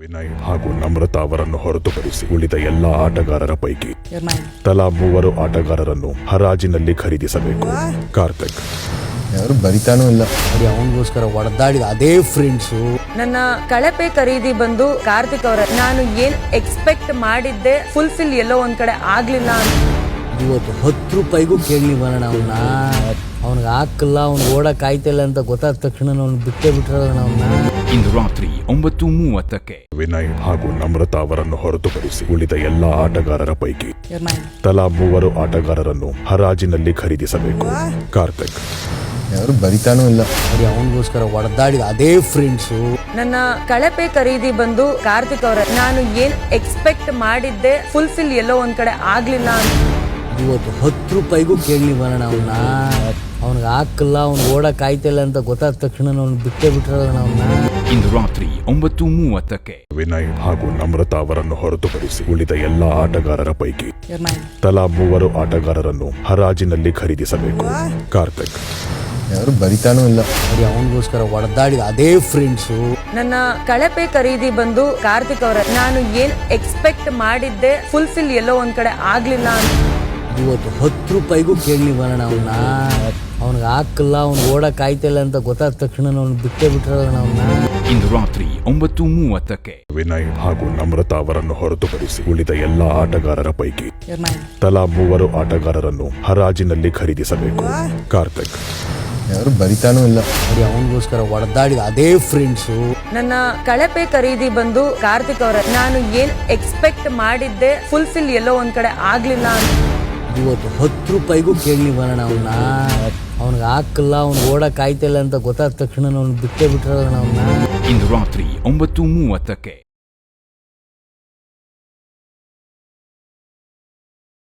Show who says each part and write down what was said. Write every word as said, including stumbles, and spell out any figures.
Speaker 1: ವಿನಯ್ ಹಾಗೂ ನಮ್ರತಾ ಅವರನ್ನು ಹೊರತುಪಡಿಸಿ ಉಳಿದ ಎಲ್ಲಾ ಆಟಗಾರರ ಪೈಕಿ ತಲಾ ಮೂವರು ಆಟಗಾರರನ್ನು ಹರಾಜಿನಲ್ಲಿ ಖರೀದಿಸಬೇಕು. ಕಾರ್ತಿಕ್
Speaker 2: ಯಾರು ಬರಿತಾನೂ ಇಲ್ಲ, ಅವನಿಗೋಸ್ಕರ ಹೊಡೆದಾಡಿದ ಅದೇ ಫ್ರೆಂಡ್ಸು.
Speaker 3: ನನ್ನ ಕಳಪೆ ಖರೀದಿ ಬಂದು ಕಾರ್ತಿಕ್ ಅವರ. ನಾನು ಏನ್ ಎಕ್ಸ್ಪೆಕ್ಟ್ ಮಾಡಿದ್ದೆ ಫುಲ್ಫಿಲ್ ಎಲ್ಲೋ ಒಂದ್ ಕಡೆ ಆಗ್ಲಿಲ್ಲ.
Speaker 2: ಇವತ್ತು ಹತ್ತು ರೂಪಾಯಿಗೂ ಕೇಳಿ ಬರೋಣ ಅವನ್ನ. ಅವ್ನಿಗೆ ಹಾಕಲ್ಲ, ಅವ್ನು ಓಡಕ್ ಆಯ್ತಿಲ್ಲ ಅಂತ ಗೊತ್ತಾದ ತಕ್ಷಣ ಅವ್ನು ಬಿಟ್ಟೇ ಬಿಟ್ಟಿರೋಣ ಅವನ್ನ.
Speaker 4: ಇಂದು ರಾತ್ರಿ ಒಂಬತ್ತು ಮೂವತ್ತಕ್ಕೆ
Speaker 1: ವಿನಯ್ ಹಾಗೂ ನಮ್ರತಾ ಅವರನ್ನು ಹೊರತುಪಡಿಸಿ ಉಳಿದ ಎಲ್ಲಾ ಆಟಗಾರರ ಪೈಕಿ ತಲಾ ಮೂವರು ಆಟಗಾರರನ್ನು ಹರಾಜಿನಲ್ಲಿ ಖರೀದಿಸಬೇಕು. ಕಾರ್ತಿಕ್
Speaker 2: ಯಾರು ಬರಿತಾನೂ ಇಲ್ಲ, ಅವನಿಗೋಸ್ಕರ ಹೊಡೆದಾಡಿದ ಅದೇ ಫ್ರೆಂಡ್ಸು.
Speaker 3: ನನ್ನ ಕಳಪೆ ಖರೀದಿ ಬಂದು ಕಾರ್ತಿಕ್ ಅವರ. ನಾನು ಏನ್ ಎಕ್ಸ್ಪೆಕ್ಟ್ ಮಾಡಿದ್ದೆ ಫುಲ್ಫಿಲ್ ಎಲ್ಲೋ ಒಂದ್ ಕಡೆ ಆಗ್ಲಿಲ್ಲ.
Speaker 2: ಇವತ್ತು ಹತ್ತು ರೂಪಾಯಿಗೂ ಕೇಳಿ ಬರೋಣ ಅವನ್ನ. ಅವ್ನಿಗೆ ಹಾಕಲ್ಲ, ಅವ್ನು ಓಡಕ್ ಆಯ್ತಿಲ್ಲ ಅಂತ ಗೊತ್ತಾದ ತಕ್ಷಣ ಅವ್ನು ಬಿಟ್ಟೇ ಬಿಟ್ಟಿರೋಣ ಅವನ್ನ.
Speaker 4: ಇಂದು ರಾತ್ರಿ ಒಂಬತ್ತು ಮೂವತ್ತಕ್ಕೆ
Speaker 1: ವಿನಯ್ ಹಾಗೂ ನಮ್ರತಾ ಅವರನ್ನು ಹೊರತುಪಡಿಸಿ ಉಳಿದ ಎಲ್ಲಾ ಆಟಗಾರರ ಪೈಕಿ ತಲಾ ಮೂವರು ಆಟಗಾರರನ್ನು ಹರಾಜಿನಲ್ಲಿ ಖರೀದಿಸಬೇಕು. ಕಾರ್ತಿಕ್
Speaker 2: ಯಾರು ಬರಿತಾನೂ ಇಲ್ಲ, ಅವನಿಗೋಸ್ಕರ ಹೊಡೆದಾಡಿದ ಅದೇ ಫ್ರೆಂಡ್ಸು.
Speaker 3: ನನ್ನ ಕಳಪೆ ಖರೀದಿ ಬಂದು ಕಾರ್ತಿಕ್ ಅವರ. ನಾನು ಏನ್ ಎಕ್ಸ್ಪೆಕ್ಟ್ ಮಾಡಿದ್ದೆ ಫುಲ್ಫಿಲ್ ಎಲ್ಲೋ ಒಂದ್ ಕಡೆ ಆಗ್ಲಿಲ್ಲ.
Speaker 2: ಇವತ್ತು ಹತ್ತು ರೂಪಾಯಿಗೂ ಕೇಳಿ ಬರೋಣ ಅವನ್ನ. ಅವ್ನಿಗೆ ಹಾಕಲ್ಲ, ಅವ್ನು ಓಡಕ್ ಆಯ್ತಿಲ್ಲ ಅಂತ ಗೊತ್ತಾದ ತಕ್ಷಣ ಅವ್ನು ಬಿಟ್ಟೇ ಬಿಟ್ಟಿರೋಣ ಅವನ್ನ.
Speaker 4: ಇಂದು ರಾತ್ರಿ ಒಂಬತ್ತು ಮೂವತ್ತಕ್ಕೆ
Speaker 1: ವಿನಯ್ ಹಾಗೂ ನಮ್ರತಾ ಅವರನ್ನು ಹೊರತುಪಡಿಸಿ ಉಳಿದ ಎಲ್ಲಾ ಆಟಗಾರರ ಪೈಕಿ ತಲಾ ಮೂವರು ಆಟಗಾರರನ್ನು ಹರಾಜಿನಲ್ಲಿ ಖರೀದಿಸಬೇಕು. ಕಾರ್ತಿಕ್
Speaker 2: ಯಾರು ಬರಿತಾನೂ ಇಲ್ಲ, ಅವನಿಗೋಸ್ಕರ ಹೊಡೆದಾಡಿದ ಅದೇ ಫ್ರೆಂಡ್ಸು.
Speaker 3: ನನ್ನ ಕಳಪೆ ಖರೀದಿ ಬಂದು ಕಾರ್ತಿಕ್ ಅವರ. ನಾನು ಏನ್ ಎಕ್ಸ್ಪೆಕ್ಟ್ ಮಾಡಿದ್ದೆ ಫುಲ್ಫಿಲ್ ಎಲ್ಲೋ ಒಂದ್ ಕಡೆ ಆಗ್ಲಿಲ್ಲ.
Speaker 2: ಇವತ್ತು ಹತ್ತು ರೂಪಾಯಿಗೂ ಕೇಳಿ ಬರೋಣ ಅವನ್ನ. ಅವ್ನಿಗೆ ಹಾಕಲ್ಲ, ಅವ್ನು ಓಡಕ್ ಆಯ್ತಿಲ್ಲ ಅಂತ ಗೊತ್ತಾದ ತಕ್ಷಣ ಅವ್ನು ಬಿಟ್ಟೇ ಬಿಟ್ಟಿರೋಣ ಅವನ್ನ.
Speaker 4: ಇಂದು ರಾತ್ರಿ ಒಂಬತ್ತು ಮೂವತ್ತಕ್ಕೆ